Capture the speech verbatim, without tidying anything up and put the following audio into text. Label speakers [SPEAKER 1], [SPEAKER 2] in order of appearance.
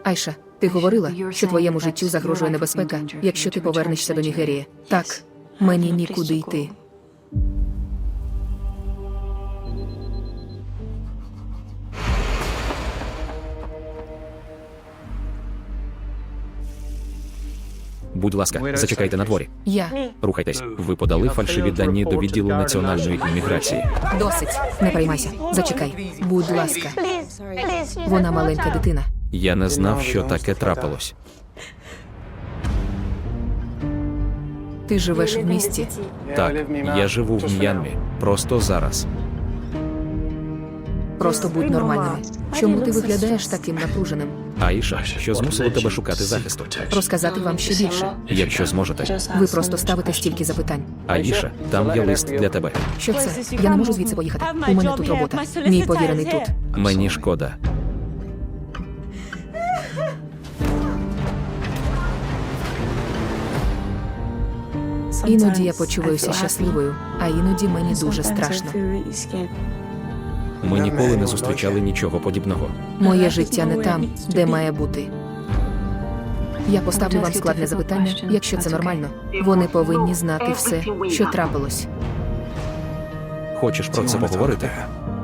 [SPEAKER 1] Айша, ти говорила, що твоєму життю загрожує небезпека, якщо ти повернешся до Нігерії. Так, мені нікуди йти.
[SPEAKER 2] Будь ласка, зачекайте на дворі.
[SPEAKER 1] Я.
[SPEAKER 2] Рухайтесь. Ви подали фальшиві дані до відділу національної імміграції.
[SPEAKER 1] Досить. Не переймайся. Зачекай. Будь ласка. Вона маленька дитина.
[SPEAKER 2] Я не знав, що таке трапилось.
[SPEAKER 1] Ти живеш в місті.
[SPEAKER 2] Так, я живу в М'янмі. Просто зараз.
[SPEAKER 1] Просто будь нормальними. Чому ти виглядаєш таким напруженим?
[SPEAKER 2] Аїша, що змусило тебе шукати захисту?
[SPEAKER 1] Розказати вам ще більше.
[SPEAKER 2] Якщо зможете.
[SPEAKER 1] Ви просто ставите стільки запитань.
[SPEAKER 2] Аїша, там є лист для тебе.
[SPEAKER 1] Що це? Я не можу звідси поїхати. У мене тут робота. Мій повірений тут.
[SPEAKER 2] Мені шкода.
[SPEAKER 1] Іноді я почуваюся щасливою, а іноді мені дуже страшно.
[SPEAKER 2] Ми ніколи не зустрічали нічого подібного.
[SPEAKER 1] Моє життя не там, де має бути. Я поставлю вам складне запитання, якщо це нормально. Вони повинні знати все, що трапилось.
[SPEAKER 2] Хочеш про це поговорити?